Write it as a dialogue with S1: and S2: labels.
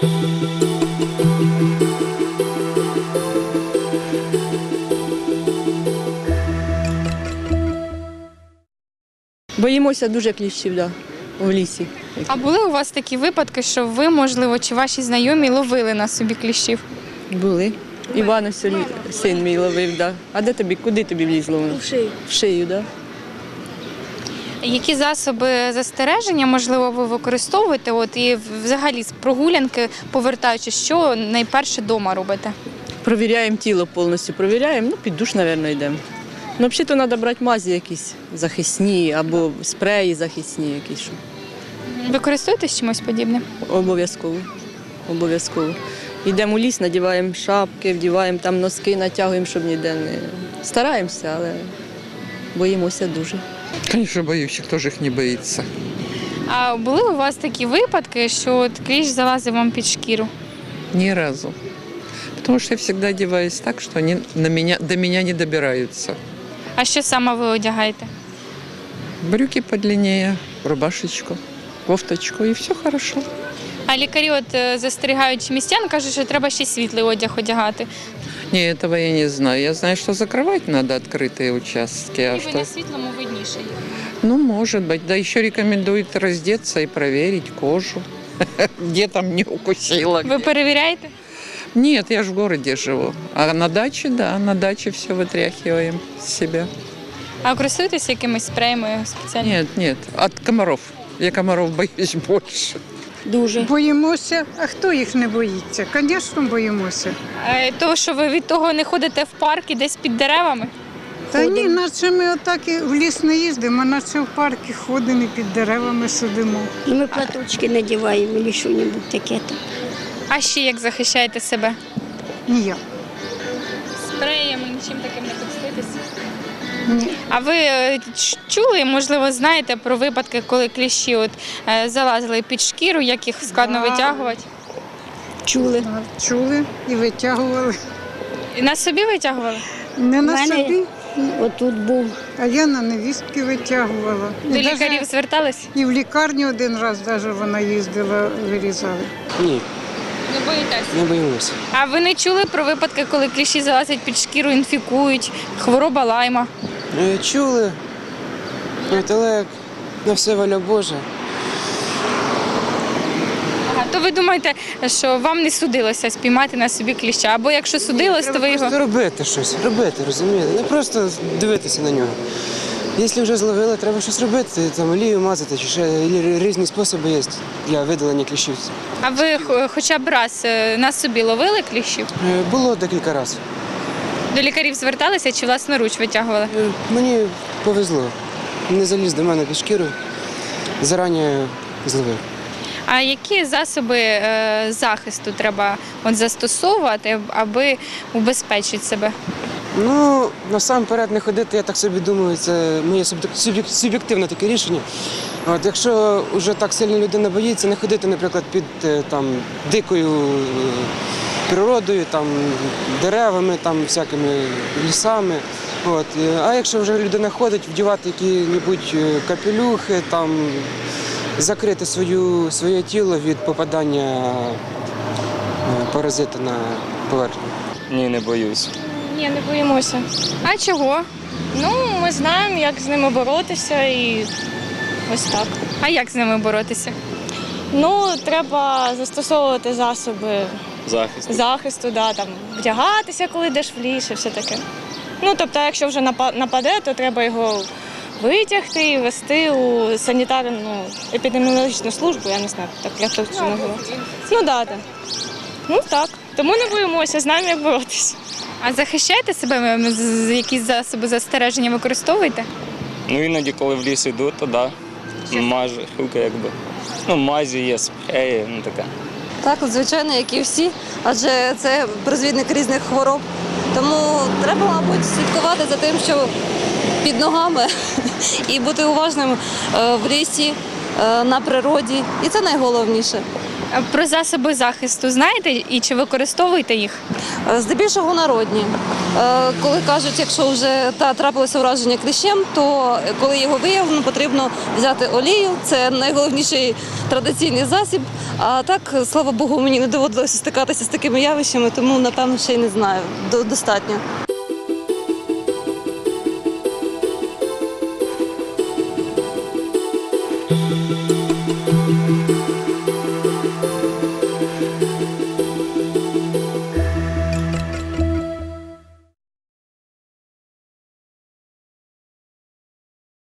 S1: Боїмося дуже кліщів, у лісі.
S2: А були у вас такі випадки, що ви, можливо, чи ваші знайомі ловили на собі кліщів?
S1: Були. Іван ось син мій ловив, да. А куди тобі влізло воно?
S3: В шию.
S1: В шию, да.
S2: Які засоби застереження, можливо, ви використовуєте? І взагалі з прогулянки, повертаючись, що найперше вдома робите?
S1: Провіряємо тіло повністю, під душ, мабуть, йдемо. Взагалі, то треба брати мазі якісь захисні або спреї захисні якісь.
S2: Ви користуєтесь чимось подібним?
S1: Обов'язково. Йдемо у ліс, надіваємо шапки, вдіваємо там носки, натягуємо, щоб ніде не… Стараємося, але боїмося дуже.
S4: Конечно, боюсь, хто ж їх не боїться.
S2: А були у вас такі випадки, що кліщ залазив вам під шкіру?
S4: Ни разу. Потому что я всегда одеваюсь так, что они до меня не добираются.
S2: А що саме ви одягаєте?
S4: Брюки подлиннее, рубашечку, кофточку, и все хорошо.
S2: А лікарі застерігають містян, кажуть, що треба ще світлий одяг одягати.
S4: Не, этого я не знаю. Я знаю, что закрывать надо открытые участки.
S2: І
S4: А
S2: ви
S4: что...
S2: на світлому видніше.
S4: Ну, может быть. Да еще рекомендуют раздеться и проверить кожу. Где там не укусила.
S2: Ви перевіряєте?
S4: Нет, я ж в городе живу. А на даче, да, на даче все вытряхиваем с себя.
S2: А користуєтеся якимись спреями спеціальними?
S4: Нет, от комаров. Я комаров боюсь больше.
S3: Дуже.
S5: Боїмося. А хто їх не боїться? Звісно, боїмося.
S2: Того, що ви від того не ходите в парк і десь під деревами?
S5: Та ні, наче ми отак і в ліс не їздимо, наче в парки ходимо і під деревами сидимо.
S3: І ми платочки надіваємо, або що-небудь таке.
S2: А ще як захищаєте себе?
S5: Ніяк.
S2: Спреями, нічим таким не користуєтеся?
S5: Ні.
S2: А ви чули, можливо, знаєте про випадки, коли кліщі залазили під шкіру, як їх складно витягувати?
S3: Чули.
S5: Чули і витягували.
S2: І на собі витягували?
S5: Не на
S3: У мене
S5: собі,
S3: отут був.
S5: а я на невістки витягувала.
S2: До лікарів звертались?
S5: І в лікарню один раз навіть вона їздила, вирізали.
S6: Ні,
S2: Не боїтесь?
S6: не боїмося.
S2: А ви не чули про випадки, коли кліщі залазять під шкіру, інфікують, хвороба лайма?
S6: Чули, але на все воля Божа.
S2: Ага, то ви думаєте, що вам не судилося спіймати на собі кліща? Або якщо судилось, то ви
S6: Треба
S2: його…
S6: просто робити щось, розумієте? Не просто дивитися на нього. Якщо вже зловили, треба щось робити, там олію мазати, чи ще різні способи є для видалення кліщів.
S2: А ви хоча б раз на собі ловили кліщів?
S6: Було декілька разів.
S2: До лікарів зверталися чи власноруч витягували?
S6: Мені повезло. Не заліз до мене під шкіру, зарані зловив.
S2: А які засоби захисту треба застосовувати, аби убезпечити себе?
S6: Ну, насамперед не ходити, я так собі думаю, це моє суб'єктивне таке рішення. Якщо вже так сильно людина боїться, не ходити, наприклад, під дикою природою, деревами, всякими лісами. А якщо вже людина ходить, вдівати які-небудь капелюхи, закрити своє тіло від попадання паразита на поверхню.
S7: Ні, не боюсь.
S8: Ні, не боїмося.
S2: А чого?
S8: Ну, ми знаємо, як з ними боротися і ось так.
S2: А як з ними боротися?
S8: Ну, треба застосовувати засоби
S7: Захист.
S8: вдягатися, коли йдеш в ліс і все таке. Ну, тобто, якщо вже нападе, то треба його витягти і вести у санітарну епідеміологічну службу, я не знаю, як це називається. Ну, так. Тому не боїмося, знаємо, як боротися.
S2: А захищаєте себе? Якісь засоби застереження використовуєте?
S7: Ну, іноді, коли в ліс йду, то да. Мажу, якби. Ну, мазі є, спреї, таке.
S9: Так, звичайно, як і всі, адже це призвідник різних хвороб. Тому треба, мабуть, слідкувати за тим, що під ногами і бути уважним в лісі, на природі. І це найголовніше.
S2: Про засоби захисту знаєте і чи використовуєте їх?
S9: Здебільшого народні. Коли кажуть, якщо вже трапилося враження кліщем, то коли його виявлено, потрібно взяти олію. Це найголовніший традиційний засіб. А так, слава Богу, мені не доводилося стикатися з такими явищами, тому, напевно, ще й не знаю. Достатньо.